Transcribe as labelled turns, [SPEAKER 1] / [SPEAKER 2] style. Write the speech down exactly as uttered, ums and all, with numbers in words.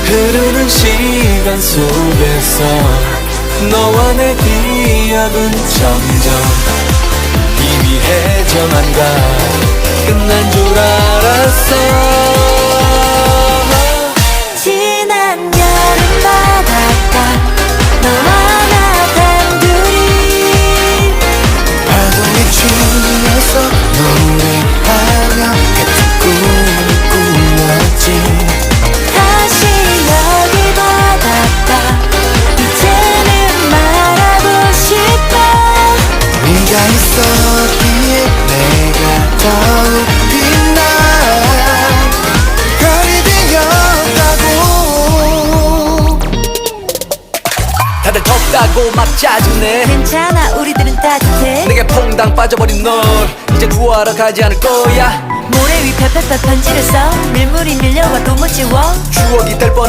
[SPEAKER 1] 흐르는 시간 속에서 너와 내 기억은 점점 희미해져만가 끝난 줄 알았어.
[SPEAKER 2] 지난 여름 바닷가 너와 나 단둘이
[SPEAKER 1] 파도에 춤에서 노래하며 같은 꿈을 꾸었지.
[SPEAKER 2] 다시 여기 바닷가 이제는 말하고 싶어.
[SPEAKER 1] 네가 있었기에 내가 더욱 빛나 별이 되었다고. 다들 덥다고 막 짜증내.
[SPEAKER 2] 괜찮아 우리들은 따뜻해.
[SPEAKER 1] 내게 퐁당 빠져버린 널 이제 구하러 가지 않을 거야.
[SPEAKER 2] 모래 위 펴펴펴 편지를 써. 밀물이 밀려와도 못 지워.
[SPEAKER 1] 추억이 될 뻔